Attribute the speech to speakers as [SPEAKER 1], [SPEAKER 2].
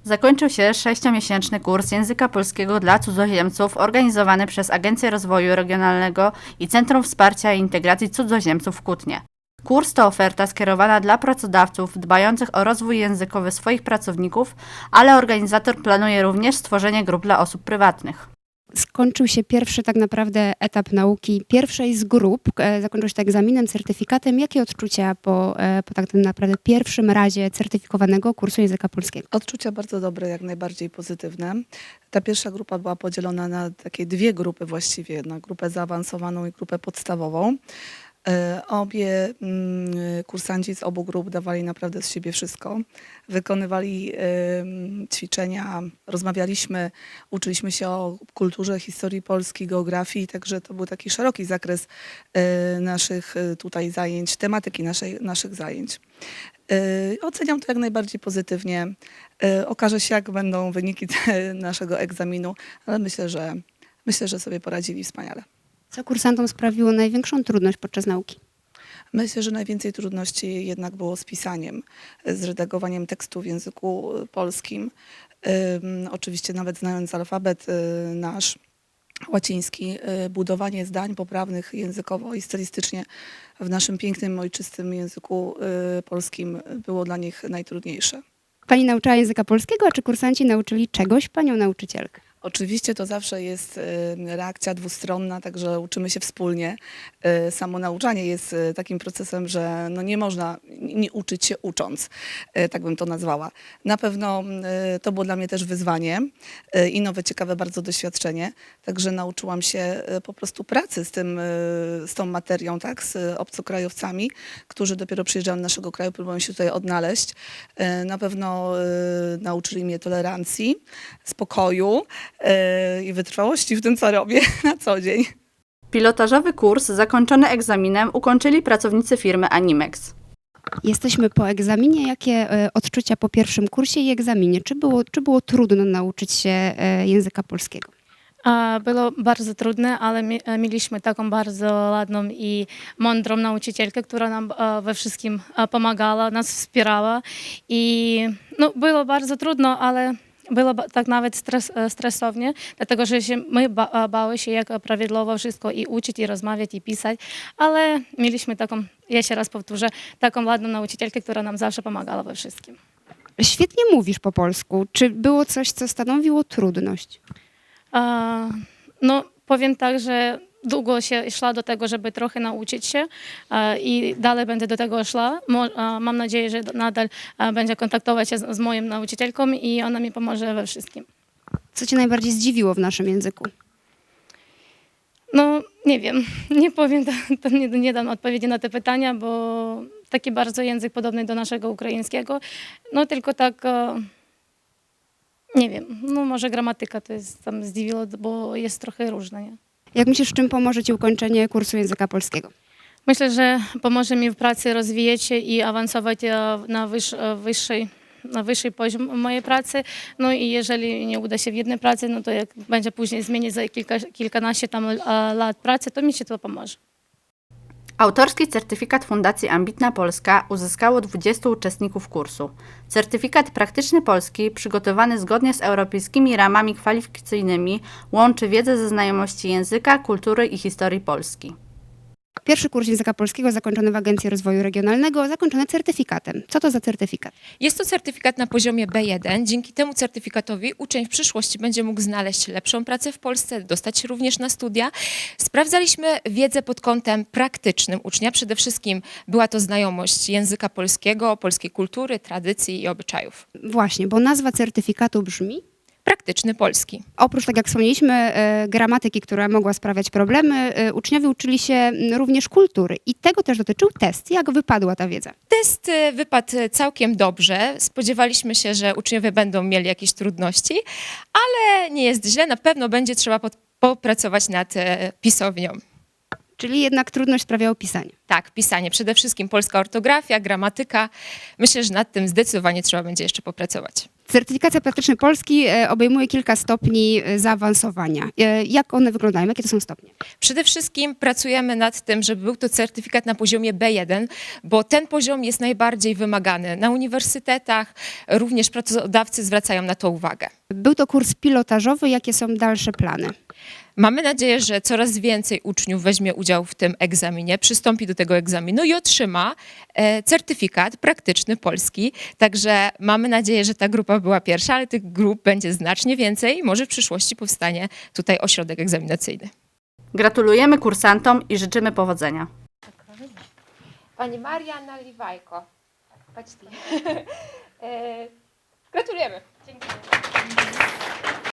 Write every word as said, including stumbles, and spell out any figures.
[SPEAKER 1] zakończył się sześciomiesięczny kurs języka polskiego dla cudzoziemców organizowany przez Agencję Rozwoju Regionalnego i Centrum Wsparcia i Integracji Cudzoziemców w Kutnie. Kurs to oferta skierowana dla pracodawców dbających o rozwój językowy swoich pracowników, ale organizator planuje również stworzenie grup dla osób prywatnych.
[SPEAKER 2] Skończył się pierwszy tak naprawdę etap nauki pierwszej z grup. E, Zakończył się to egzaminem, certyfikatem. Jakie odczucia po, e, po tak naprawdę pierwszym razie certyfikowanego kursu języka polskiego?
[SPEAKER 3] Odczucia bardzo dobre, jak najbardziej pozytywne. Ta pierwsza grupa była podzielona na takie dwie grupy właściwie, na grupę zaawansowaną i grupę podstawową. E, Obie mm, kursanci z obu grup dawali naprawdę z siebie wszystko. Wykonywali em, ćwiczenia, rozmawialiśmy, uczyliśmy się o kulturze, historii Polski, geografii, także to był taki szeroki zakres e, naszych e, tutaj zajęć, tematyki naszej, naszych zajęć. E, Oceniam to jak najbardziej pozytywnie. E, Okaże się, jak będą wyniki te, naszego egzaminu, ale myślę, że myślę, że sobie poradzili wspaniale.
[SPEAKER 2] Co kursantom sprawiło największą trudność podczas nauki?
[SPEAKER 3] Myślę, że najwięcej trudności jednak było z pisaniem, z redagowaniem tekstu w języku polskim. Ym, oczywiście nawet znając alfabet y, nasz łaciński, y, budowanie zdań poprawnych językowo i stylistycznie w naszym pięknym, ojczystym języku y, polskim było dla nich najtrudniejsze.
[SPEAKER 2] Pani nauczała języka polskiego, a czy kursanci nauczyli czegoś panią nauczycielkę?
[SPEAKER 3] Oczywiście to zawsze jest y, reakcja dwustronna, także uczymy się wspólnie. Y, Samo nauczanie jest y, takim procesem, że no nie można nie uczyć się ucząc, y, tak bym to nazwała. Na pewno y, to było dla mnie też wyzwanie y, i nowe, ciekawe bardzo doświadczenie. Także nauczyłam się y, po prostu pracy z, tym, y, z tą materią, tak, z obcokrajowcami, którzy dopiero przyjeżdżają do naszego kraju, próbują się tutaj odnaleźć. Y, Na pewno y, nauczyli mnie tolerancji, spokoju i wytrwałości w tym, co robię na co dzień.
[SPEAKER 1] Pilotażowy kurs zakończony egzaminem ukończyli pracownicy firmy Animex.
[SPEAKER 2] Jesteśmy po egzaminie. Jakie e, odczucia po pierwszym kursie i egzaminie? Czy było, czy było trudno nauczyć się e, języka polskiego?
[SPEAKER 4] A, Było bardzo trudne, ale mi- e, mieliśmy taką bardzo ładną i mądrą nauczycielkę, która nam e, we wszystkim e, pomagała, nas wspierała. I no, było bardzo trudno, ale było ba- tak nawet stres, e, stresownie, dlatego że się, my ba- e, bały się, jak prawidłowo wszystko i uczyć, i rozmawiać, i pisać, ale mieliśmy taką, jeszcze raz powtórzę, taką ładną nauczycielkę, która nam zawsze pomagała we wszystkim.
[SPEAKER 2] Świetnie mówisz po polsku. Czy było coś, co stanowiło trudność?
[SPEAKER 4] A, No, powiem tak, że długo się szła do tego, żeby trochę nauczyć się a, i dalej będę do tego szła. Mo, a, mam nadzieję, że nadal a, będzie kontaktować się z, z moją nauczycielką i ona mi pomoże we wszystkim.
[SPEAKER 2] Co cię najbardziej zdziwiło w naszym języku?
[SPEAKER 4] No, nie wiem, nie powiem, to, to nie, nie dam odpowiedzi na te pytania, bo taki bardzo język podobny do naszego ukraińskiego, no tylko tak, e, nie wiem, no może gramatyka to jest tam zdziwiło, bo jest trochę różna, nie?
[SPEAKER 2] Jak myślisz, czym pomoże ci ukończenie kursu języka polskiego?
[SPEAKER 4] Myślę, że pomoże mi w pracy rozwijać się i awansować e, na, wyż, e, wyższej, na wyższy poziom mojej pracy. No i jeżeli nie uda się w jednej pracy, no to jak będzie później zmienić za kilka, kilkanaście tam e, lat pracy, to mi się to pomoże.
[SPEAKER 1] Autorski certyfikat Fundacji Ambitna Polska uzyskało dwudziestu uczestników kursu. Certyfikat Praktyczny Polski, przygotowany zgodnie z europejskimi ramami kwalifikacyjnymi, łączy wiedzę ze znajomości języka, kultury i historii Polski.
[SPEAKER 2] Pierwszy kurs języka polskiego zakończony w Agencji Rozwoju Regionalnego, zakończony certyfikatem. Co to za certyfikat?
[SPEAKER 5] Jest to certyfikat na poziomie B jeden. Dzięki temu certyfikatowi uczeń w przyszłości będzie mógł znaleźć lepszą pracę w Polsce, dostać się również na studia. Sprawdzaliśmy wiedzę pod kątem praktycznym ucznia. Przede wszystkim była to znajomość języka polskiego, polskiej kultury, tradycji i obyczajów.
[SPEAKER 2] Właśnie, bo nazwa certyfikatu brzmi...
[SPEAKER 5] Praktyczny polski.
[SPEAKER 2] Oprócz, tak jak wspomnieliśmy, e, gramatyki, która mogła sprawiać problemy, e, uczniowie uczyli się m, również kultury i tego też dotyczył test. Jak wypadła ta wiedza?
[SPEAKER 5] Test y, wypadł całkiem dobrze. Spodziewaliśmy się, że uczniowie będą mieli jakieś trudności, ale nie jest źle. Na pewno będzie trzeba pod- popracować nad y, pisownią.
[SPEAKER 2] Czyli jednak trudność sprawiało pisanie.
[SPEAKER 5] Tak, pisanie. Przede wszystkim polska ortografia, gramatyka. Myślę, że nad tym zdecydowanie trzeba będzie jeszcze popracować.
[SPEAKER 2] Certyfikacja praktyczna Polski e, obejmuje kilka stopni e, zaawansowania. E, Jak one wyglądają? Jakie to są stopnie?
[SPEAKER 5] Przede wszystkim pracujemy nad tym, żeby był to certyfikat na poziomie B jeden, bo ten poziom jest najbardziej wymagany. Na uniwersytetach również pracodawcy zwracają na to uwagę.
[SPEAKER 2] Był to kurs pilotażowy. Jakie są dalsze plany?
[SPEAKER 5] Mamy nadzieję, że coraz więcej uczniów weźmie udział w tym egzaminie, przystąpi do tego egzaminu i otrzyma e, certyfikat praktyczny polski. Także mamy nadzieję, że ta grupa była pierwsza, ale tych grup będzie znacznie więcej i może w przyszłości powstanie tutaj ośrodek egzaminacyjny.
[SPEAKER 1] Gratulujemy kursantom i życzymy powodzenia.
[SPEAKER 5] Pani Maria Naliwajko. Gratulujemy. Dziękuję.